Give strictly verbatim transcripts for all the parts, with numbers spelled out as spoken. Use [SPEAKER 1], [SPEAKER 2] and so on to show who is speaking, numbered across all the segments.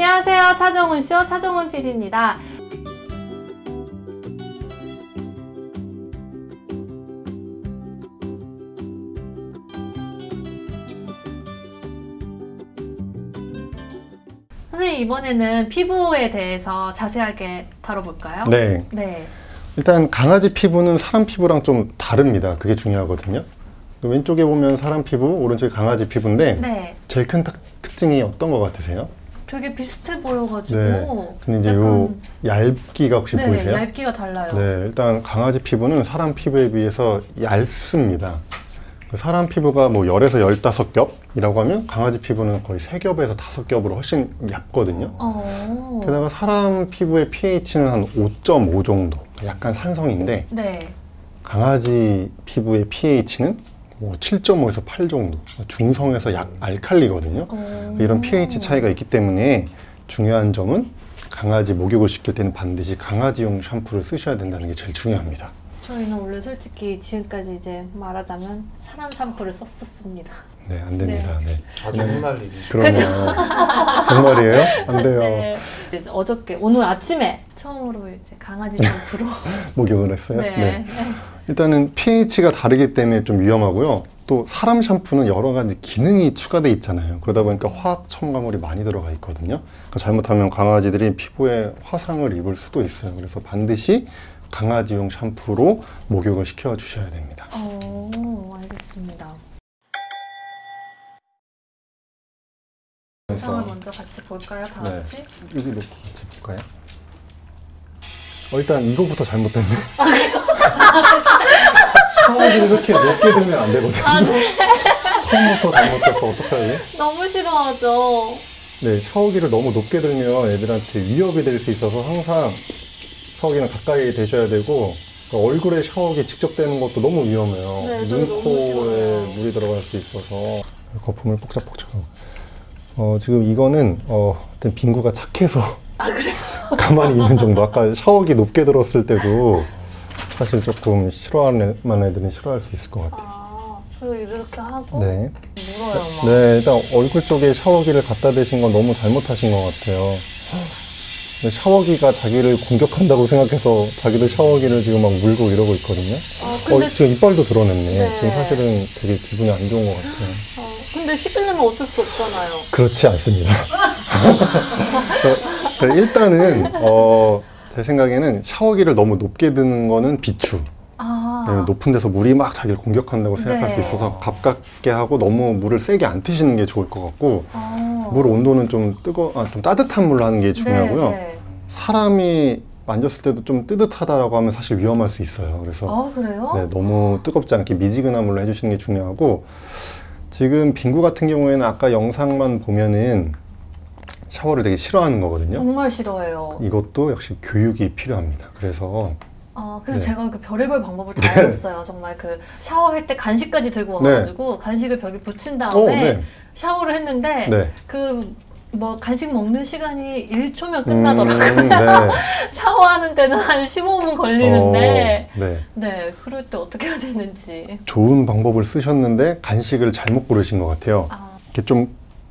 [SPEAKER 1] 안녕하세요. 차정훈쇼 차정훈 피디입니다. 선생님, 이번에는 피부에 대해서 자세하게 다뤄볼까요?
[SPEAKER 2] 네.
[SPEAKER 1] 네.
[SPEAKER 2] 일단 강아지 피부는 사람 피부랑 좀 다릅니다. 그게 중요하거든요. 왼쪽에 보면 사람 피부, 오른쪽에 강아지 피부인데
[SPEAKER 1] 네.
[SPEAKER 2] 제일 큰 특, 특징이 어떤 것 같으세요?
[SPEAKER 1] 되게 비슷해 보여가지고.
[SPEAKER 2] 네. 근데 이제 요 얇기가 혹시
[SPEAKER 1] 네,
[SPEAKER 2] 보이세요?
[SPEAKER 1] 얇기가 달라요.
[SPEAKER 2] 네. 일단 강아지 피부는 사람 피부에 비해서 얇습니다. 사람 피부가 뭐 열에서 열다섯 겹이라고 하면 강아지 피부는 거의 세 겹에서 다섯 겹으로 훨씬 얇거든요.
[SPEAKER 1] 어.
[SPEAKER 2] 게다가 사람 피부의 pH는 한 오 점 오 정도, 약간 산성인데
[SPEAKER 1] 네.
[SPEAKER 2] 강아지 피부의 pH는 뭐 칠 점 오에서 팔 정도, 중성에서 약 알칼리거든요.
[SPEAKER 1] 오.
[SPEAKER 2] 이런 pH 차이가 있기 때문에 중요한 점은 강아지 목욕을 시킬 때는 반드시 강아지용 샴푸를 쓰셔야 된다는 게 제일 중요합니다.
[SPEAKER 1] 저희는 원래 솔직히 지금까지 이제 말하자면 사람 샴푸를 썼었습니다.
[SPEAKER 2] 네, 안 됩니다. 네. 네.
[SPEAKER 3] 아주 헛날리기.
[SPEAKER 2] 그러면 정말이에요? 안 돼요.
[SPEAKER 1] 네. 이제 어저께 오늘 아침에 처음으로 이제 강아지 샴푸로
[SPEAKER 2] 목욕을 했어요.
[SPEAKER 1] 네.
[SPEAKER 2] 네. 일단은 pH가 다르기 때문에 좀 위험하고요. 또 사람 샴푸는 여러 가지 기능이 추가되어 있잖아요. 그러다 보니까 화학 첨가물이 많이 들어가 있거든요. 그러니까 잘못하면 강아지들이 피부에 화상을 입을 수도 있어요. 그래서 반드시 강아지용 샴푸로 목욕을 시켜 주셔야 됩니다.
[SPEAKER 1] 오, 알겠습니다. 영상을 먼저 같이 볼까요? 다
[SPEAKER 2] 네.
[SPEAKER 1] 같이?
[SPEAKER 2] 여기 놓고 같이 볼까요? 어, 일단 이거부터 잘못됐네.
[SPEAKER 1] 아, 그래요?
[SPEAKER 2] 샤워기를 이렇게 높게 들면 안 되거든요.
[SPEAKER 1] 아, 네.
[SPEAKER 2] 처음부터 잘못돼서 어떡하지?
[SPEAKER 1] 너무 싫어하죠.
[SPEAKER 2] 네, 샤워기를 너무 높게 들면 애들한테 위협이 될 수 있어서 항상 샤워기는 가까이 대셔야 되고, 얼굴에 샤워기 직접 대는 것도 너무 위험해요.
[SPEAKER 1] 네,
[SPEAKER 2] 눈,
[SPEAKER 1] 너무
[SPEAKER 2] 코에
[SPEAKER 1] 싫어요.
[SPEAKER 2] 물이 들어갈 수 있어서 거품을 폭작폭작하고. 어, 지금 이거는 어, 빙구가 착해서
[SPEAKER 1] 아, 그래요?
[SPEAKER 2] 가만히 있는 정도. 아까 샤워기 높게 들었을 때도 사실 조금 싫어하는 애들은 싫어할 수 있을 것 같아요.
[SPEAKER 1] 아, 그리고 이렇게 하고
[SPEAKER 2] 네.
[SPEAKER 1] 물어요, 막.
[SPEAKER 2] 네, 일단 얼굴 쪽에 샤워기를 갖다 대신 건 너무 잘못하신 것 같아요. 샤워기가 자기를 공격한다고 생각해서 자기도 샤워기를 지금 막 물고 이러고 있거든요.
[SPEAKER 1] 아, 근데,
[SPEAKER 2] 어, 지금 이빨도 드러냈네.
[SPEAKER 1] 네.
[SPEAKER 2] 지금 사실은 되게 기분이 안 좋은 것 같아요.
[SPEAKER 1] 어, 근데 씻으려면 어쩔 수 없잖아요.
[SPEAKER 2] 그렇지 않습니다. 일단은 어, 제 생각에는 샤워기를 너무 높게 드는 거는 비추.
[SPEAKER 1] 아.
[SPEAKER 2] 높은 데서 물이 막 자기를 공격한다고 생각할
[SPEAKER 1] 네.
[SPEAKER 2] 수 있어서 가깝게 하고 너무 물을 세게 안 트시는 게 좋을 것 같고,
[SPEAKER 1] 아.
[SPEAKER 2] 물 온도는 좀 뜨거, 아, 좀 따뜻한 물로 하는 게 중요하고요.
[SPEAKER 1] 네, 네.
[SPEAKER 2] 사람이 만졌을 때도 좀 뜨뜻하다라고 하면 사실 위험할 수 있어요. 그래서
[SPEAKER 1] 아, 그래요?
[SPEAKER 2] 네, 너무 뜨겁지 않게 미지근한 물로 해주시는 게 중요하고, 지금 빙구 같은 경우에는 아까 영상만 보면은 샤워를 되게 싫어하는 거거든요.
[SPEAKER 1] 정말 싫어해요.
[SPEAKER 2] 이것도 역시 교육이 필요합니다. 그래서
[SPEAKER 1] 아, 그래서
[SPEAKER 2] 네.
[SPEAKER 1] 제가 그 별의별 방법을 다
[SPEAKER 2] 네.
[SPEAKER 1] 해봤어요. 정말 그 샤워할 때 간식까지 들고 와가지고 간식을 벽에 붙인 다음에
[SPEAKER 2] 어, 네.
[SPEAKER 1] 샤워를 했는데
[SPEAKER 2] 네.
[SPEAKER 1] 그 뭐 간식 먹는 시간이 일 초면 끝나더라고요.
[SPEAKER 2] 음, 네.
[SPEAKER 1] 샤워하는 데는 한 십오 분 걸리는데
[SPEAKER 2] 어, 네.
[SPEAKER 1] 네, 그럴 때 어떻게 해야 되는지.
[SPEAKER 2] 좋은 방법을 쓰셨는데 간식을 잘못 고르신 것 같아요.
[SPEAKER 1] 아,
[SPEAKER 2] 이렇게 좀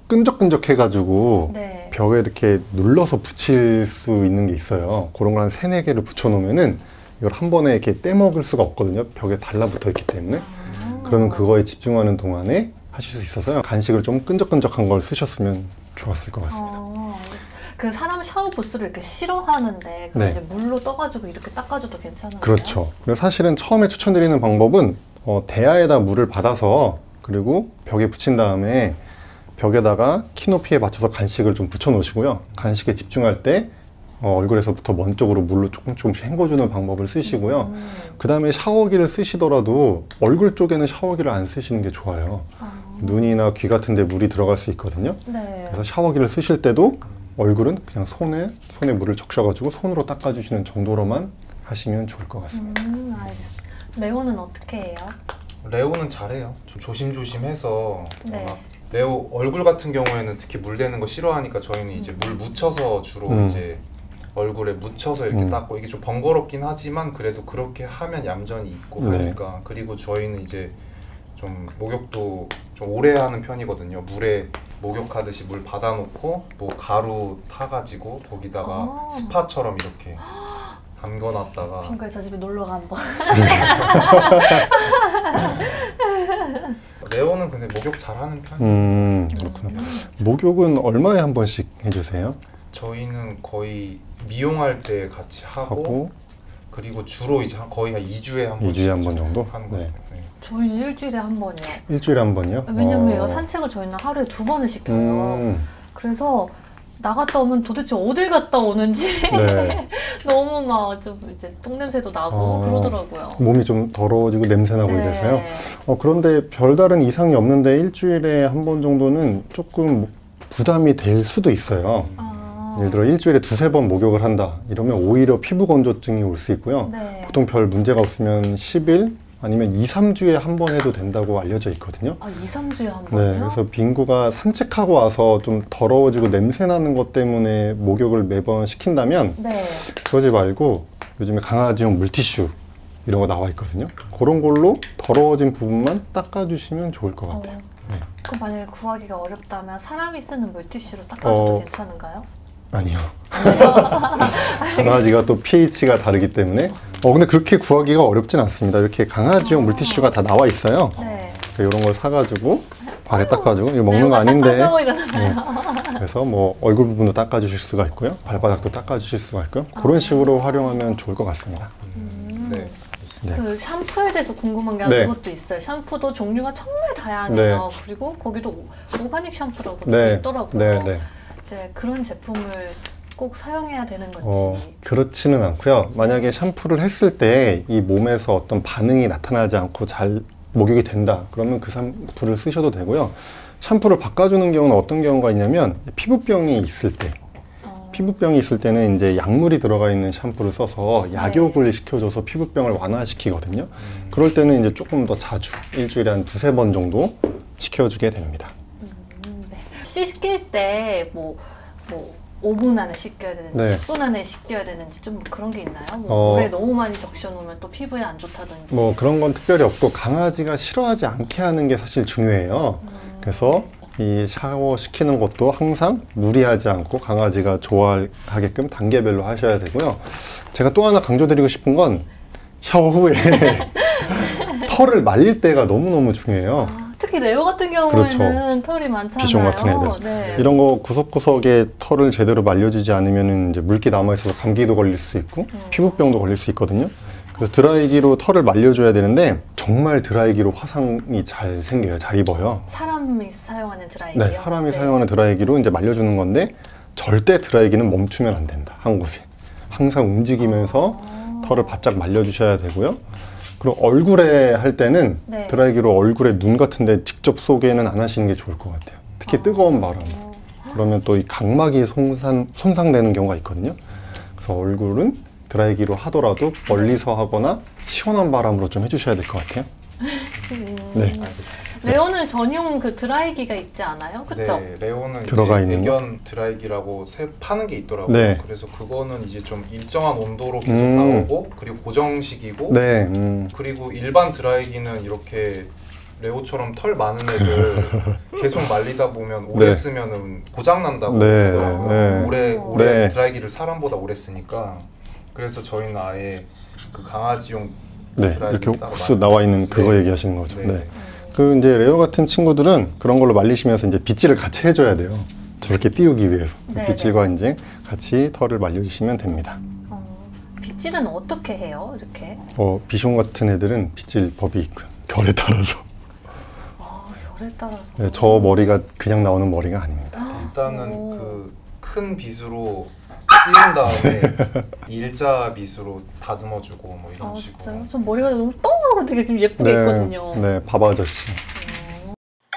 [SPEAKER 2] 끈적끈적해가지고
[SPEAKER 1] 네.
[SPEAKER 2] 벽에 이렇게 눌러서 붙일 수 있는 게 있어요. 그런 걸 한 세네 개를 붙여놓으면은 이걸 한 번에 이렇게 떼먹을 수가 없거든요. 벽에 달라붙어 있기 때문에.
[SPEAKER 1] 아.
[SPEAKER 2] 그러면 그거에 집중하는 동안에 하실 수 있어서요. 간식을 좀 끈적끈적한 걸 쓰셨으면 좋았을 것 같습니다.
[SPEAKER 1] 아, 알겠습니다. 그 사람 샤워 부스를 이렇게 싫어하는데 그걸
[SPEAKER 2] 네.
[SPEAKER 1] 이제 물로 떠가지고 이렇게 닦아줘도 괜찮아요?
[SPEAKER 2] 그렇죠. 그래서 사실은 처음에 추천드리는 방법은 어, 대야에다 물을 받아서 그리고 벽에 붙인 다음에 벽에다가 키 높이에 맞춰서 간식을 좀 붙여 놓으시고요. 간식에 집중할 때 어, 얼굴에서부터 먼 쪽으로 물로 조금 조금씩 헹궈주는 방법을 쓰시고요.
[SPEAKER 1] 음.
[SPEAKER 2] 그 다음에 샤워기를 쓰시더라도 얼굴 쪽에는 샤워기를 안 쓰시는 게 좋아요.
[SPEAKER 1] 아.
[SPEAKER 2] 눈이나 귀 같은 데 물이 들어갈 수 있거든요.
[SPEAKER 1] 네.
[SPEAKER 2] 그래서 샤워기를 쓰실 때도 얼굴은 그냥 손에 손에 물을 적셔가지고 손으로 닦아주시는 정도로만 하시면 좋을 것 같습니다.
[SPEAKER 1] 음, 알겠습니다. 레오는 어떻게 해요?
[SPEAKER 3] 레오는 잘해요. 좀 조심조심해서.
[SPEAKER 1] 네.
[SPEAKER 3] 워낙 레오 얼굴 같은 경우에는 특히 물 대는 거 싫어하니까 저희는 이제 물 묻혀서 주로
[SPEAKER 2] 음.
[SPEAKER 3] 이제 얼굴에 묻혀서 이렇게
[SPEAKER 2] 음.
[SPEAKER 3] 닦고, 이게 좀 번거롭긴 하지만 그래도 그렇게 하면 얌전히 있고
[SPEAKER 2] 네.
[SPEAKER 3] 하니까. 그리고 저희는 이제 좀 목욕도 좀 오래 하는 편이거든요. 물에 목욕하듯이 물 받아놓고 뭐 가루 타가지고 거기다가
[SPEAKER 1] 아.
[SPEAKER 3] 스파처럼 이렇게 담궈놨다가
[SPEAKER 1] 친구야 저 집에 놀러가 한번.
[SPEAKER 3] 레오는 근데 목욕 잘하는 편이에요.
[SPEAKER 2] 음, 그렇구나. 목욕은 얼마에 한 번씩 해주세요?
[SPEAKER 3] 저희는 거의 미용할 때 같이 하고,
[SPEAKER 2] 하고
[SPEAKER 3] 그리고 주로 이제 한- 거의 한 이 주에 한 번씩
[SPEAKER 2] 이 주에 한 번 정도?
[SPEAKER 3] 하는 것
[SPEAKER 2] 네.
[SPEAKER 3] 같아요. 네.
[SPEAKER 1] 저희는 일주일에 한 번이요.
[SPEAKER 2] 일주일에 한 번이요?
[SPEAKER 1] 왜냐면
[SPEAKER 2] 어.
[SPEAKER 1] 얘가 산책을 저희는 하루에 두 번을 시켜요.
[SPEAKER 2] 음,
[SPEAKER 1] 그래서 나갔다 오면 도대체 어딜 갔다 오는지
[SPEAKER 2] 네.
[SPEAKER 1] 너무 막 좀 이제 똥냄새도 나고
[SPEAKER 2] 어.
[SPEAKER 1] 그러더라고요.
[SPEAKER 2] 몸이 좀 더러워지고 냄새나고
[SPEAKER 1] 네.
[SPEAKER 2] 이래서요. 어, 그런데 별다른 이상이 없는데 일주일에 한 번 정도는 조금 부담이 될 수도 있어요.
[SPEAKER 1] 아.
[SPEAKER 2] 예를 들어 일주일에 두세 번 목욕을 한다 이러면 오히려 피부 건조증이 올 수 있고요.
[SPEAKER 1] 네.
[SPEAKER 2] 보통 별 문제가 없으면 십 일 아니면 이, 삼 주에 한 번 해도 된다고 알려져 있거든요.
[SPEAKER 1] 아, 이, 삼 주에 한
[SPEAKER 2] 네,
[SPEAKER 1] 번이요?
[SPEAKER 2] 그래서 빙구가 산책하고 와서 좀 더러워지고 냄새 나는 것 때문에 목욕을 매번 시킨다면
[SPEAKER 1] 네.
[SPEAKER 2] 그러지 말고 요즘에 강아지용 물티슈 이런 거 나와 있거든요. 그런 걸로 더러워진 부분만 닦아주시면 좋을 것 같아요.
[SPEAKER 1] 어.
[SPEAKER 2] 네.
[SPEAKER 1] 그럼 만약에 구하기가 어렵다면 사람이 쓰는 물티슈로 닦아줘도
[SPEAKER 2] 어.
[SPEAKER 1] 괜찮은가요?
[SPEAKER 2] 아니요. 강아지가 또 피에이치가 다르기 때문에 어 근데 그렇게 구하기가 어렵진 않습니다. 이렇게 강아지용 물티슈가 다 나와 있어요.
[SPEAKER 1] 네.
[SPEAKER 2] 이런 걸 사가지고 발에 닦아주고 이거 먹는 거
[SPEAKER 1] 레오가
[SPEAKER 2] 아닌데
[SPEAKER 1] 닦아줘 이러나요?
[SPEAKER 2] 네. 그래서 뭐 얼굴 부분도 닦아주실 수가 있고요. 발바닥도 닦아주실 수가 있고요. 그런 식으로 활용하면 좋을 것 같습니다.
[SPEAKER 1] 음.
[SPEAKER 3] 네.
[SPEAKER 2] 네.
[SPEAKER 1] 그 샴푸에 대해서 궁금한 게
[SPEAKER 2] 네.
[SPEAKER 1] 그것도 있어요. 샴푸도 종류가 정말 다양해요.
[SPEAKER 2] 네.
[SPEAKER 1] 그리고 거기도 오- 오가닉 샴푸라고
[SPEAKER 2] 네,
[SPEAKER 1] 있더라고요.
[SPEAKER 2] 네, 네.
[SPEAKER 1] 이제 그런 제품을 꼭 사용해야 되는 건지.
[SPEAKER 2] 어, 그렇지는 않고요. 만약에 샴푸를 했을 때 이 몸에서 어떤 반응이 나타나지 않고 잘 목욕이 된다. 그러면 그 샴푸를 쓰셔도 되고요. 샴푸를 바꿔주는 경우는 어떤 경우가 있냐면 피부병이 있을 때
[SPEAKER 1] 어.
[SPEAKER 2] 피부병이 있을 때는 이제 약물이 들어가 있는 샴푸를 써서 약욕을
[SPEAKER 1] 네.
[SPEAKER 2] 시켜줘서 피부병을 완화시키거든요.
[SPEAKER 3] 음.
[SPEAKER 2] 그럴 때는 이제 조금 더 자주 일주일에 한 두세 번 정도 시켜주게 됩니다.
[SPEAKER 1] 음, 네. 씻길 때 뭐 뭐 오 분 안에 씻겨야 되는지
[SPEAKER 2] 네.
[SPEAKER 1] 십 분 안에 씻겨야 되는지 좀 그런 게 있나요? 뭐
[SPEAKER 2] 어.
[SPEAKER 1] 물에 너무 많이 적셔놓으면 또 피부에 안 좋다든지.
[SPEAKER 2] 뭐 그런 건 특별히 없고 강아지가 싫어하지 않게 하는 게 사실 중요해요.
[SPEAKER 1] 음.
[SPEAKER 2] 그래서 이 샤워 시키는 것도 항상 무리하지 않고 강아지가 좋아하게끔 단계별로 하셔야 되고요. 제가 또 하나 강조드리고 싶은 건 샤워 후에 털을 말릴 때가 너무너무 중요해요.
[SPEAKER 1] 아, 특히 레오 같은 경우에는 털이 많잖아요.
[SPEAKER 2] 비숑 같은 애들.
[SPEAKER 1] 네.
[SPEAKER 2] 이런 거 구석구석에 털을 제대로 말려주지 않으면 이제 물기 남아있어서 감기도 걸릴 수 있고
[SPEAKER 1] 음.
[SPEAKER 2] 피부병도 걸릴 수 있거든요. 그래서 드라이기로 털을 말려줘야 되는데 정말 드라이기로 화상이 잘 생겨요. 잘 입어요.
[SPEAKER 1] 사람이 사용하는 드라이기요?
[SPEAKER 2] 네, 사람이 사용하는 드라이기로 이제 말려주는 건데 절대 드라이기는 멈추면 안 된다. 한 곳에. 항상 움직이면서
[SPEAKER 1] 아.
[SPEAKER 2] 털을 바짝 말려주셔야 되고요. 그리고 얼굴에 할 때는
[SPEAKER 1] 네.
[SPEAKER 2] 드라이기로 얼굴에 눈 같은 데 직접 쏘게는 안 하시는 게 좋을 것 같아요. 특히
[SPEAKER 1] 아.
[SPEAKER 2] 뜨거운 바람. 그러면 또 이 각막이 손상, 손상되는 경우가 있거든요. 그래서 얼굴은 드라이기로 하더라도 멀리서 하거나 시원한 바람으로 좀 해주셔야 될 것 같아요.
[SPEAKER 1] 음.
[SPEAKER 2] 네.
[SPEAKER 3] 알겠습니다.
[SPEAKER 1] 레오는 전용 그 드라이기가 있지 않아요? 그쵸?
[SPEAKER 3] 네, 레오는
[SPEAKER 2] 들어가
[SPEAKER 3] 이제
[SPEAKER 2] 있는 거?
[SPEAKER 3] 애견 드라이기라고 새 파는 게 있더라고요.
[SPEAKER 2] 네.
[SPEAKER 3] 그래서 그거는 이제 좀 일정한 온도로 계속
[SPEAKER 2] 음.
[SPEAKER 3] 나오고 그리고 고정식이고
[SPEAKER 2] 네. 음.
[SPEAKER 3] 그리고 일반 드라이기는 이렇게 레오처럼 털 많은 애들 계속 말리다 보면 오래
[SPEAKER 2] 네.
[SPEAKER 3] 쓰면은 고장 난다고
[SPEAKER 2] 네,
[SPEAKER 3] 하더라고요.
[SPEAKER 2] 네.
[SPEAKER 3] 오래 오래
[SPEAKER 2] 네.
[SPEAKER 3] 드라이기를 사람보다 오래 쓰니까 그래서 저희는 아예 그 강아지용
[SPEAKER 2] 네.
[SPEAKER 3] 드라이기
[SPEAKER 2] 이렇게
[SPEAKER 3] 따로
[SPEAKER 2] 훅
[SPEAKER 3] 많이-
[SPEAKER 2] 나와 있는 그거
[SPEAKER 3] 네.
[SPEAKER 2] 얘기하시는 거죠.
[SPEAKER 3] 네.
[SPEAKER 2] 네. 그 이제 레오 같은 친구들은 그런 걸로 말리시면서 이제 빗질을 같이 해줘야 돼요. 저렇게 띄우기 위해서.
[SPEAKER 1] 네,
[SPEAKER 2] 빗질과 이제 같이 털을 말려주시면 됩니다.
[SPEAKER 1] 어, 빗질은 어떻게 해요? 이렇게?
[SPEAKER 2] 어, 비숑 같은 애들은 빗질 법이 있고요. 결에 따라서.
[SPEAKER 1] 아, 열에 따라서.
[SPEAKER 2] 네, 저 머리가 그냥 나오는 머리가 아닙니다.
[SPEAKER 3] 일단은
[SPEAKER 1] 오.
[SPEAKER 3] 그 큰 빗으로 띄운 다음에 일자 빗으로 다듬어주고 뭐 이런
[SPEAKER 1] 아,
[SPEAKER 3] 식으로.
[SPEAKER 1] 진짜요? 전 머리가 너무 똥하고 되게 좀 예쁘게 있거든요.
[SPEAKER 2] 네, 밥 아저씨.
[SPEAKER 1] 어.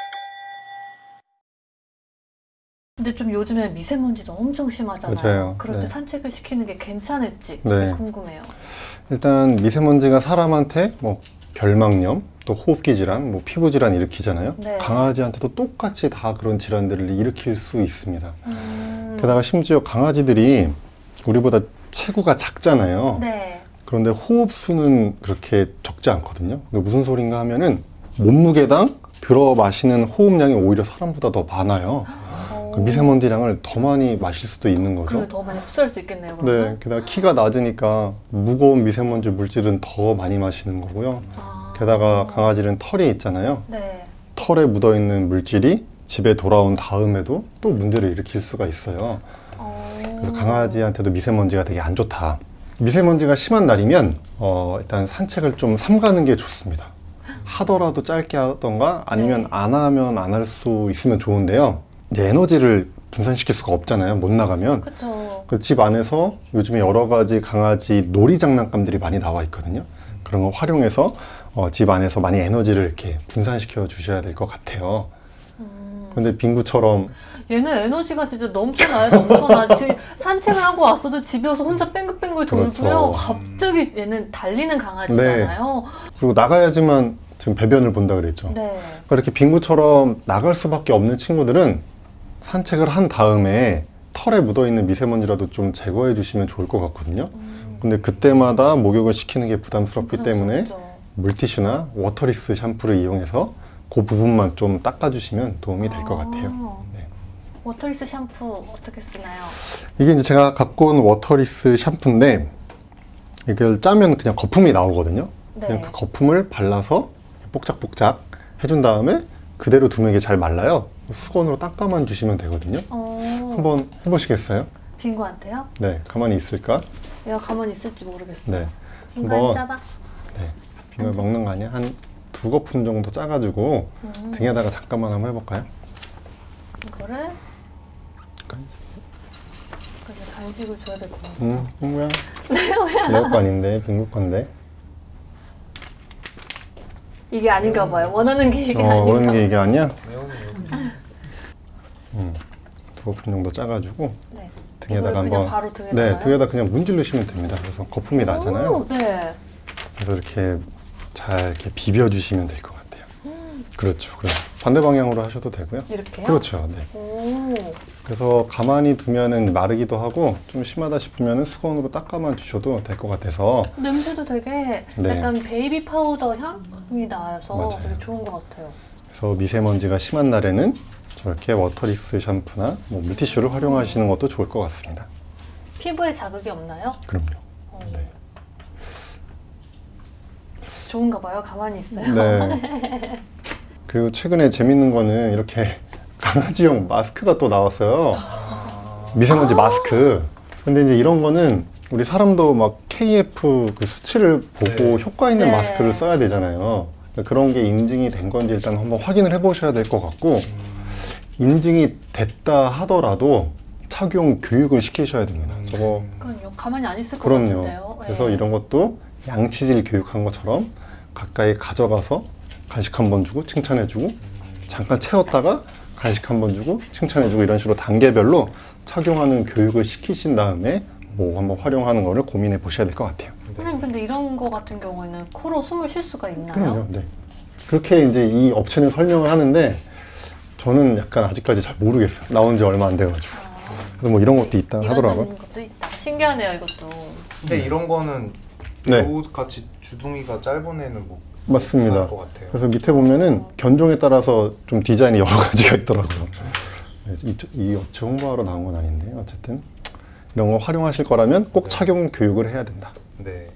[SPEAKER 1] 근데 좀 요즘에 미세먼지도 엄청 심하잖아요.
[SPEAKER 2] 맞아요.
[SPEAKER 1] 그럴 때
[SPEAKER 2] 네.
[SPEAKER 1] 산책을 시키는 게 괜찮을지 그게
[SPEAKER 2] 네.
[SPEAKER 1] 궁금해요.
[SPEAKER 2] 일단 미세먼지가 사람한테 뭐 결막염, 또 호흡기 질환, 뭐 피부 질환 일으키잖아요.
[SPEAKER 1] 네.
[SPEAKER 2] 강아지한테도 똑같이 다 그런 질환들을 일으킬 수 있습니다.
[SPEAKER 1] 음.
[SPEAKER 2] 게다가 심지어 강아지들이 우리보다 체구가 작잖아요.
[SPEAKER 1] 네.
[SPEAKER 2] 그런데 호흡수는 그렇게 적지 않거든요. 그게 무슨 소린가 하면은 몸무게당 들어 마시는 호흡량이 오히려 사람보다 더 많아요. 그 미세먼지량을 더 많이 마실 수도 있는 거죠.
[SPEAKER 1] 그리고 더 많이 흡수할 수 있겠네요.
[SPEAKER 2] 네,
[SPEAKER 1] 그러면?
[SPEAKER 2] 게다가 키가 낮으니까 무거운 미세먼지 물질은 더 많이 마시는 거고요.
[SPEAKER 1] 아.
[SPEAKER 2] 게다가 강아지는 털이 있잖아요.
[SPEAKER 1] 네.
[SPEAKER 2] 털에 묻어있는 물질이 집에 돌아온 다음에도 또 문제를 일으킬 수가 있어요.
[SPEAKER 1] 어.
[SPEAKER 2] 그래서 강아지한테도 미세먼지가 되게 안 좋다. 미세먼지가 심한 날이면 어, 일단 산책을 좀 삼가는 게 좋습니다. 하더라도 짧게 하던가 아니면
[SPEAKER 1] 네.
[SPEAKER 2] 안 하면 안 할 수 있으면 좋은데요. 이제 에너지를 분산시킬 수가 없잖아요. 못 나가면.
[SPEAKER 1] 그쵸.
[SPEAKER 2] 그 집 안에서 요즘에 여러 가지 강아지 놀이 장난감들이 많이 나와 있거든요. 그런 거 활용해서 어, 집 안에서 많이 에너지를 이렇게 분산시켜 주셔야 될 것 같아요.
[SPEAKER 1] 음.
[SPEAKER 2] 근데 빙구처럼
[SPEAKER 1] 얘는 에너지가 진짜 넘쳐나요, 넘쳐나. 지, 산책을 하고 왔어도 집에 와서 혼자 뺑글뺑글 돌고요.
[SPEAKER 2] 그렇죠.
[SPEAKER 1] 갑자기 얘는 달리는 강아지잖아요.
[SPEAKER 2] 그리고 나가야지만 지금 배변을 본다 그랬죠.
[SPEAKER 1] 네.
[SPEAKER 2] 그러니까 이렇게 빙구처럼 나갈 수밖에 없는 친구들은 산책을 한 다음에 털에 묻어있는 미세먼지라도 좀 제거해 주시면 좋을 것 같거든요.
[SPEAKER 1] 음.
[SPEAKER 2] 근데 그때마다 목욕을 시키는 게 부담스럽기 때문에
[SPEAKER 1] 부담스럽죠.
[SPEAKER 2] 물티슈나 워터리스 샴푸를 이용해서 그 부분만 좀 닦아주시면 도움이 될 것
[SPEAKER 1] 아.
[SPEAKER 2] 같아요. 네.
[SPEAKER 1] 워터리스 샴푸 어떻게 쓰나요?
[SPEAKER 2] 이게 이제 제가 갖고 온 워터리스 샴푸인데 이걸 짜면 그냥 거품이 나오거든요.
[SPEAKER 1] 네.
[SPEAKER 2] 그냥 그 거품을 발라서 뽁짝뽁짝 해준 다음에 그대로 두면 이게 잘 말라요. 수건으로 닦아만 주시면 되거든요.
[SPEAKER 1] 어.
[SPEAKER 2] 한번 해보시겠어요?
[SPEAKER 1] 빙고한테요?
[SPEAKER 2] 네, 가만히 있을까?
[SPEAKER 1] 얘가 가만히 있을지 모르겠어요.
[SPEAKER 2] 네,
[SPEAKER 1] 빙고
[SPEAKER 2] 한번-
[SPEAKER 1] 앉아봐.
[SPEAKER 2] 네. 빙을 먹는 거 아니야? 한 두 거품 정도 짜가지고
[SPEAKER 1] 음.
[SPEAKER 2] 등에다가 잠깐만 한번 해볼까요?
[SPEAKER 1] 이거를 그래서 간식을 줘야 될 것 같아요.
[SPEAKER 2] 응, 빙구야. 내 거 아닌데, 빙구 건데.
[SPEAKER 1] 이게 아닌가 봐요. 원하는 게 이게
[SPEAKER 2] 어,
[SPEAKER 1] 아닌가
[SPEAKER 2] 그런 게
[SPEAKER 1] 봐요.
[SPEAKER 2] 이게 아니야?
[SPEAKER 3] 매운
[SPEAKER 2] 음, 두 거품 정도 짜가지고
[SPEAKER 1] 네.
[SPEAKER 2] 등에다가
[SPEAKER 1] 이거를 그냥
[SPEAKER 2] 한번
[SPEAKER 1] 바로 등에다가
[SPEAKER 2] 네, 등에다 그냥 문질르시면 됩니다. 그래서 거품이 나잖아요.
[SPEAKER 1] 네.
[SPEAKER 2] 그래서 이렇게 잘 이렇게 비벼주시면 될 것 같아요. 그렇죠. 그럼 반대 방향으로 하셔도 되고요.
[SPEAKER 1] 이렇게요?
[SPEAKER 2] 그렇죠. 네.
[SPEAKER 1] 오.
[SPEAKER 2] 그래서 가만히 두면은 마르기도 하고 좀 심하다 싶으면은 수건으로 닦아만 주셔도 될 것 같아서
[SPEAKER 1] 냄새도 되게
[SPEAKER 2] 네.
[SPEAKER 1] 약간 베이비 파우더 향이 나서
[SPEAKER 2] 맞아요.
[SPEAKER 1] 되게 좋은 것 같아요.
[SPEAKER 2] 그래서 미세먼지가 심한 날에는 저렇게 워터리스 샴푸나 뭐 물티슈를 활용하시는 것도 좋을 것 같습니다.
[SPEAKER 1] 피부에 자극이 없나요?
[SPEAKER 2] 그럼요.
[SPEAKER 1] 어.
[SPEAKER 2] 네.
[SPEAKER 1] 좋은가 봐요. 가만히 있어요.
[SPEAKER 2] 네. 그리고 최근에 재밌는 거는 이렇게 강아지용 마스크가 또 나왔어요. 미세먼지 마스크. 근데 이제 이런 거는 우리 사람도 막 케이에프 그 수치를 보고
[SPEAKER 3] 네.
[SPEAKER 2] 효과 있는
[SPEAKER 1] 네.
[SPEAKER 2] 마스크를 써야 되잖아요. 그런 게 인증이 된 건지 일단 한번 확인을 해보셔야 될 것 같고, 인증이 됐다 하더라도 착용 교육을 시키셔야 됩니다. 저거
[SPEAKER 1] 그럼요. 가만히 안 있을 것
[SPEAKER 2] 그럼요.
[SPEAKER 1] 같은데요.
[SPEAKER 2] 그래서
[SPEAKER 1] 네.
[SPEAKER 2] 이런 것도 양치질 교육한 것처럼 가까이 가져가서 간식 한 번 주고 칭찬해주고 잠깐 채웠다가 간식 한 번 주고 칭찬해주고 이런 식으로 단계별로 착용하는 교육을 시키신 다음에 뭐 한번 활용하는 거를 고민해 보셔야 될 것 같아요.
[SPEAKER 1] 선생님 근데 이런 거 같은 경우에는 코로 숨을 쉴 수가 있나요?
[SPEAKER 2] 그럼요. 네. 그렇게 이제 이 업체는 설명을 하는데 저는 약간 아직까지 잘 모르겠어요. 나온 지 얼마 안 돼가지고. 그래서 뭐 이런 것도 있다
[SPEAKER 1] 이런
[SPEAKER 2] 하더라고요.
[SPEAKER 1] 것도 있다. 신기하네요 이것도.
[SPEAKER 3] 근데 이런 거는
[SPEAKER 2] 네.
[SPEAKER 3] 요 같이 주둥이가 짧은 애는 뭐
[SPEAKER 2] 맞습니다.
[SPEAKER 3] 괜찮을 것 같아요.
[SPEAKER 2] 그래서 밑에 보면은 견종에 따라서 좀 디자인이 여러 가지가 있더라고요. 네, 이, 이 업체 홍보하러 나온 건 아닌데 어쨌든 이런 거 활용하실 거라면 꼭 착용 교육을 해야 된다.
[SPEAKER 3] 네.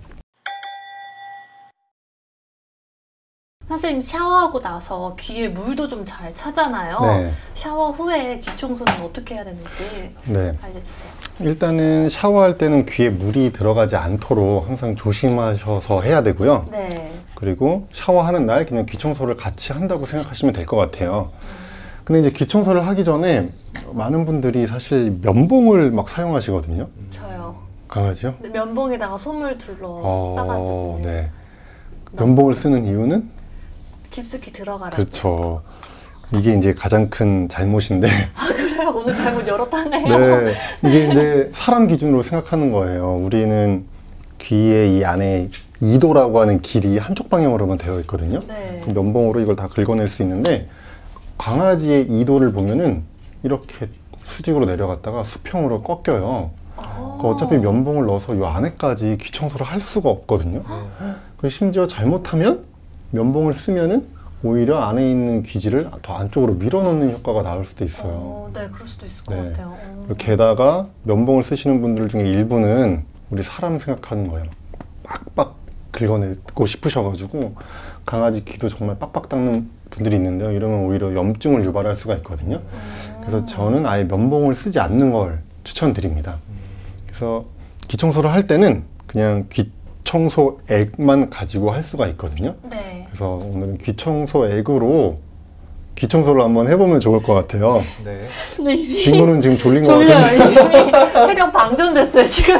[SPEAKER 1] 선생님 샤워하고 나서 귀에 물도 좀 잘 차잖아요.
[SPEAKER 2] 네.
[SPEAKER 1] 샤워 후에 귀 청소는 어떻게 해야 되는지
[SPEAKER 2] 네.
[SPEAKER 1] 알려주세요.
[SPEAKER 2] 일단은 샤워할 때는 귀에 물이 들어가지 않도록 항상 조심하셔서 해야 되고요.
[SPEAKER 1] 네.
[SPEAKER 2] 그리고 샤워하는 날 그냥 귀 청소를 같이 한다고 생각하시면 될 것 같아요. 근데 이제 귀 청소를 하기 전에 많은 분들이 사실 면봉을 막 사용하시거든요.
[SPEAKER 1] 저요.
[SPEAKER 2] 강아지요?
[SPEAKER 1] 근데 면봉에다가 솜을 둘러
[SPEAKER 2] 어,
[SPEAKER 1] 싸가지고
[SPEAKER 2] 네. 면봉을 쓰는 이유는?
[SPEAKER 1] 깊숙이 들어가라.
[SPEAKER 2] 그렇죠. 이게 이제 가장 큰 잘못인데,
[SPEAKER 1] 아 그래요? 오늘 잘못 열었다네요.
[SPEAKER 2] 네, 이게 이제 사람 기준으로 생각하는 거예요. 우리는 귀의 이 안에 이도라고 하는 길이 한쪽 방향으로만 되어 있거든요.
[SPEAKER 1] 네.
[SPEAKER 2] 면봉으로 이걸 다 긁어낼 수 있는데 강아지의 이도를 보면은 이렇게 수직으로 내려갔다가 수평으로 꺾여요.
[SPEAKER 1] 아.
[SPEAKER 2] 그러니까 어차피 면봉을 넣어서 이 안에까지 귀 청소를 할 수가 없거든요. 그리고 심지어 잘못하면 면봉을 쓰면은 오히려 안에 있는 귀지를 더 안쪽으로 밀어넣는 효과가 나올 수도 있어요.
[SPEAKER 1] 어, 네, 그럴 수도 있을 것
[SPEAKER 2] 네.
[SPEAKER 1] 같아요. 어.
[SPEAKER 2] 그리고 게다가 면봉을 쓰시는 분들 중에 일부는 우리 사람 생각하는 거예요. 빡빡 긁어내고 싶으셔가지고 강아지 귀도 정말 빡빡 닦는 분들이 있는데요. 이러면 오히려 염증을 유발할 수가 있거든요. 그래서 저는 아예 면봉을 쓰지 않는 걸 추천드립니다. 그래서 귀 청소를 할 때는 그냥 귀 청소액만 가지고 할 수가 있거든요.
[SPEAKER 1] 네.
[SPEAKER 2] 그래서 오늘은 귀 청소액으로 귀 청소를 한번 해보면 좋을 것 같아요.
[SPEAKER 3] 네.
[SPEAKER 1] 근데 이미
[SPEAKER 2] 빙고는 지금 졸린 것
[SPEAKER 1] 졸려요.
[SPEAKER 2] 같은데.
[SPEAKER 1] 이미 체력 방전됐어요, 지금.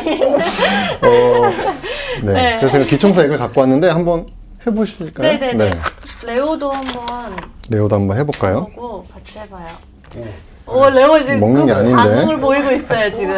[SPEAKER 2] 어, 네.
[SPEAKER 1] 네.
[SPEAKER 2] 그래서 제가 귀 청소액을 갖고 왔는데 한번 해보실까요?
[SPEAKER 1] 네네네. 레오도 한번
[SPEAKER 2] 레오도 한번 해볼까요?
[SPEAKER 1] 보고 같이 해봐요. 오, 레오 지금
[SPEAKER 2] 먹는 게
[SPEAKER 1] 그
[SPEAKER 2] 아닌데.
[SPEAKER 1] 반응을 보이고 있어요, 지금.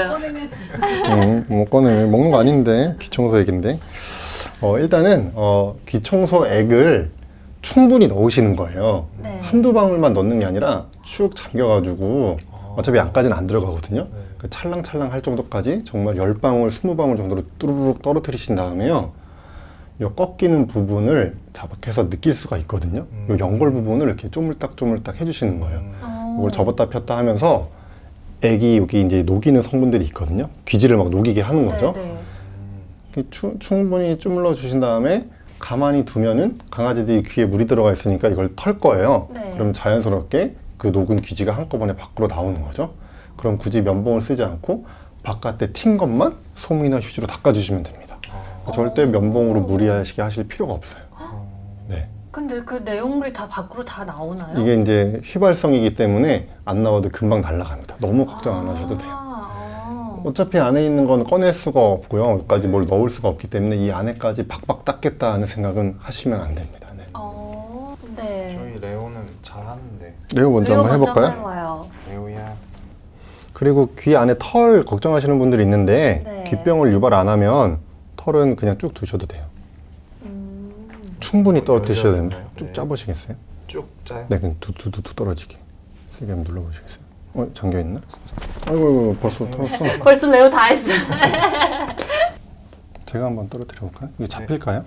[SPEAKER 2] 음, 뭐 꺼내 먹는 거 아닌데 귀 청소액인데. 어, 일단은 어, 귀 청소액을 충분히 넣으시는 거예요.
[SPEAKER 1] 네.
[SPEAKER 2] 한두 방울만 넣는 게 아니라 쭉 잠겨가지고
[SPEAKER 3] 아.
[SPEAKER 2] 어차피 안까지는 안 들어가거든요.
[SPEAKER 3] 네.
[SPEAKER 2] 그 찰랑찰랑 할 정도까지 정말 십 방울, 이십 방울 정도로 뚜루룩 떨어뜨리신 다음에요. 요 꺾이는 부분을 자박해서 느낄 수가 있거든요.
[SPEAKER 3] 음.
[SPEAKER 2] 요 연골 부분을 이렇게 쪼물딱쪼물딱 해주시는 거예요.
[SPEAKER 3] 음.
[SPEAKER 1] 어.
[SPEAKER 2] 이걸 접었다 폈다 하면서 애기 여기 이제 녹이는 성분들이 있거든요. 귀지를 막 녹이게 하는 거죠.
[SPEAKER 1] 네, 네.
[SPEAKER 2] 이렇게 추, 충분히 주물러 주신 다음에 가만히 두면은 강아지들이 귀에 물이 들어가 있으니까 이걸 털 거예요.
[SPEAKER 1] 네.
[SPEAKER 2] 그럼 자연스럽게 그 녹은 귀지가 한꺼번에 밖으로 나오는 거죠. 그럼 굳이 면봉을 쓰지 않고 바깥에 튄 것만 솜이나 휴지로 닦아주시면 됩니다.
[SPEAKER 3] 아.
[SPEAKER 2] 절대 면봉으로 무리하시게 하실 필요가 없어요. 네.
[SPEAKER 1] 근데 그 내용물이 다 밖으로 다 나오나요?
[SPEAKER 2] 이게 이제 휘발성이기 때문에 안 나와도 금방 날아갑니다. 너무 걱정 안 하셔도 돼요.
[SPEAKER 1] 아,
[SPEAKER 2] 어차피 안에 있는 건 꺼낼 수가 없고요. 여기까지 뭘 넣을 수가 없기 때문에 이 안에까지 박박 닦겠다 하는 생각은 하시면 안 됩니다. 네.
[SPEAKER 1] 어, 네.
[SPEAKER 3] 저희 레오는 잘하는데.
[SPEAKER 2] 레오 먼저
[SPEAKER 1] 레오
[SPEAKER 2] 한번
[SPEAKER 1] 먼저
[SPEAKER 2] 해볼까요?
[SPEAKER 1] 해봐요.
[SPEAKER 3] 레오야.
[SPEAKER 2] 그리고 귀 안에 털 걱정하시는 분들이 있는데
[SPEAKER 1] 네.
[SPEAKER 2] 귀병을 유발 안 하면 털은 그냥 쭉 두셔도 돼요.
[SPEAKER 1] 음,
[SPEAKER 2] 충분히 떨어뜨리셔야
[SPEAKER 3] 열려
[SPEAKER 2] 됩니다.
[SPEAKER 3] 있나요?
[SPEAKER 2] 쭉
[SPEAKER 3] 네.
[SPEAKER 2] 짜보시겠어요?
[SPEAKER 3] 쭉 짜요?
[SPEAKER 2] 네, 그냥 두두두두 떨어지게. 세게 한번 눌러보시겠어요? 어, 잠겨있나? 아이고, 아이고, 벌써 털었어.
[SPEAKER 1] 벌써 레오 다 했어.
[SPEAKER 2] 제가 한번 떨어뜨려 볼까요? 이게 잡힐까요?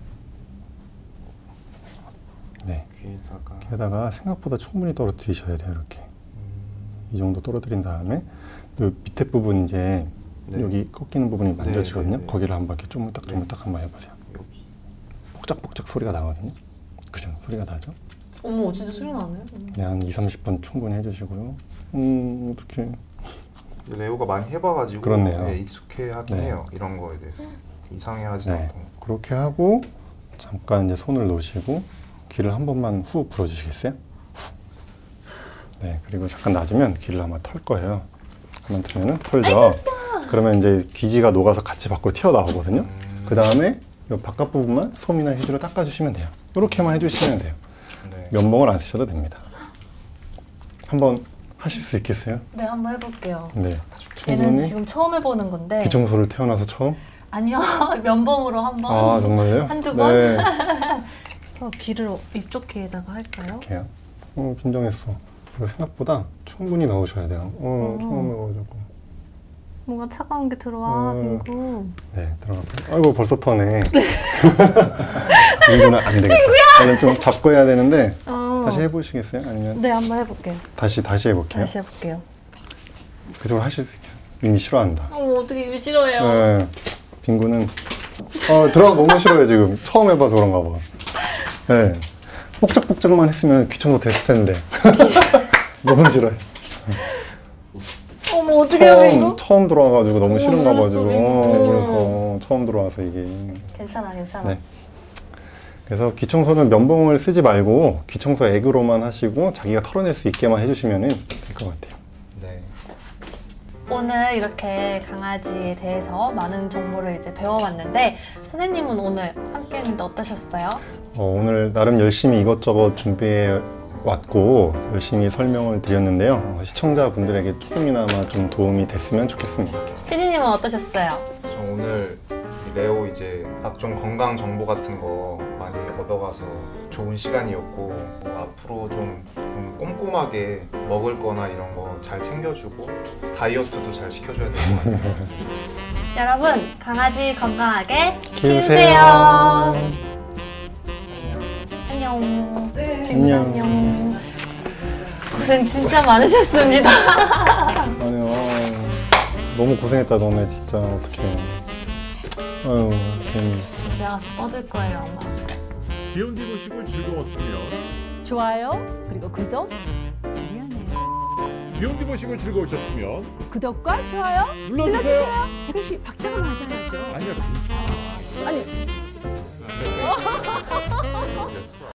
[SPEAKER 2] 네.
[SPEAKER 3] 귀에다가.
[SPEAKER 2] 게다가 생각보다 충분히 떨어뜨리셔야 돼요. 이렇게
[SPEAKER 3] 음.
[SPEAKER 2] 이 정도 떨어뜨린 다음에 이 밑에 부분 이제
[SPEAKER 3] 네.
[SPEAKER 2] 여기 꺾이는 부분이 만져지거든요.
[SPEAKER 3] 네, 네, 네.
[SPEAKER 2] 거기를 한번 이렇게 쪼물딱 쪼물딱 한번 해보세요.
[SPEAKER 3] 여기.
[SPEAKER 2] 뽁짝뽁짝 소리가 나거든요. 그죠? 소리가 나죠?
[SPEAKER 1] 어머, 진짜 소리 나네.
[SPEAKER 2] 네, 한 이, 삼십 번 충분히 해주시고요. 음, 어떡해.
[SPEAKER 3] 레오가 많이 해봐가지고
[SPEAKER 2] 그렇네요.
[SPEAKER 3] 네, 익숙해하긴
[SPEAKER 2] 네.
[SPEAKER 3] 해요. 이런 거에 대해서 이상해하지
[SPEAKER 2] 네,
[SPEAKER 3] 않고.
[SPEAKER 2] 그렇게 하고 잠깐 이제 손을 놓으시고 귀를 한 번만 후 불어주시겠어요? 후. 네, 그리고 잠깐 놔주면 귀를 아마 털 거예요. 한번 틀면은 털죠. 그러면 이제 귀지가 녹아서 같이 밖으로 튀어나오거든요.
[SPEAKER 3] 음.
[SPEAKER 2] 그 다음에 이 바깥 부분만 솜이나 휴지로 닦아주시면 돼요. 이렇게만 해주시면 돼요.
[SPEAKER 3] 네.
[SPEAKER 2] 면봉을 안 쓰셔도 됩니다. 한번 하실 수 있겠어요?
[SPEAKER 1] 네, 한번 해볼게요.
[SPEAKER 2] 네,
[SPEAKER 1] 얘는
[SPEAKER 2] 충분히
[SPEAKER 1] 지금 처음 해보는 건데.
[SPEAKER 2] 귀 청소를 태어나서 처음?
[SPEAKER 1] 아니요, 면봉으로 한번.
[SPEAKER 2] 아, 정말요?
[SPEAKER 1] 한두 번?
[SPEAKER 2] 네,
[SPEAKER 1] 그래서 귀를 이쪽 귀에다가 할까요?
[SPEAKER 2] 이렇게요. 어, 긴장했어. 이거 생각보다 충분히 넣으셔야 돼요. 어,
[SPEAKER 1] 어.
[SPEAKER 2] 처음 해가지고.
[SPEAKER 1] 뭔가 차가운 게 들어와,
[SPEAKER 2] 음.
[SPEAKER 1] 빙구.
[SPEAKER 2] 네, 들어갔고요. 아이고, 벌써 터네. 이거는 안 되겠다. 저는 좀 잡고 해야 되는데
[SPEAKER 1] 어.
[SPEAKER 2] 다시 해보시겠어요? 아니면
[SPEAKER 1] 네, 한번 해볼게요.
[SPEAKER 2] 다시 다시 해볼게요.
[SPEAKER 1] 다시 해볼게요.
[SPEAKER 2] 그쪽으로 하실 수 있게. 윤이 싫어한다.
[SPEAKER 1] 어머, 어떻게 이거 싫어해요?
[SPEAKER 2] 네, 빙구는 어, 들어가 너무 싫어요 지금. 처음 해봐서 그런가 봐. 네, 뽁짝뽁짝만 했으면 귀청소 됐을 텐데 너무 싫어요.
[SPEAKER 1] 어머, 어떻게 해요,
[SPEAKER 2] 처음
[SPEAKER 1] 빙구?
[SPEAKER 2] 처음 들어와가지고 너무
[SPEAKER 1] 어머,
[SPEAKER 2] 싫은가
[SPEAKER 1] 놀랐어,
[SPEAKER 2] 봐가지고
[SPEAKER 1] 빙구.
[SPEAKER 2] 어, 그래서 처음 들어와서 이게.
[SPEAKER 1] 괜찮아, 괜찮아.
[SPEAKER 2] 네. 그래서 귀청소는 면봉을 쓰지 말고 귀청소 액으로만 하시고 자기가 털어낼 수 있게만 해주시면 될 것 같아요.
[SPEAKER 3] 네.
[SPEAKER 1] 오늘 이렇게 강아지에 대해서 많은 정보를 이제 배워봤는데 선생님은 오늘 함께 했는데 어떠셨어요?
[SPEAKER 2] 어, 오늘 나름 열심히 이것저것 준비해 왔고 열심히 설명을 드렸는데요. 어, 시청자분들에게 조금이나마 좀 도움이 됐으면 좋겠습니다.
[SPEAKER 1] 피디님은 어떠셨어요?
[SPEAKER 3] 저 오늘 이 레오 이제 각종 건강 정보 같은 거 많이 얻어가서 좋은 시간이었고 뭐 앞으로 좀, 좀 꼼꼼하게 먹을 거나 이런 거 잘 챙겨주고 다이어트도 잘 시켜줘야 될 것 같아요.
[SPEAKER 1] 여러분 강아지 건강하게
[SPEAKER 2] 키우세요.
[SPEAKER 1] 키우세요. 안녕.
[SPEAKER 4] 네.
[SPEAKER 1] 선생님 안녕. 고생 진짜 많으셨습니다.
[SPEAKER 2] 아니요. 너무 고생했다 너네 진짜. 어떡해. 아유 괜히.
[SPEAKER 1] 집에 가서 뻗을 거예요 아마.
[SPEAKER 4] 비욘디 보시고 즐거웠으면
[SPEAKER 5] 좋아요 그리고 구독 미안해요.
[SPEAKER 4] 비욘디 보시고 즐거우셨으면
[SPEAKER 5] 구독과 좋아요
[SPEAKER 4] 눌러주세요.
[SPEAKER 5] 이것이 박자가 맞아야죠.
[SPEAKER 4] 아니야 괜찮아.
[SPEAKER 5] 아니
[SPEAKER 3] 됐어.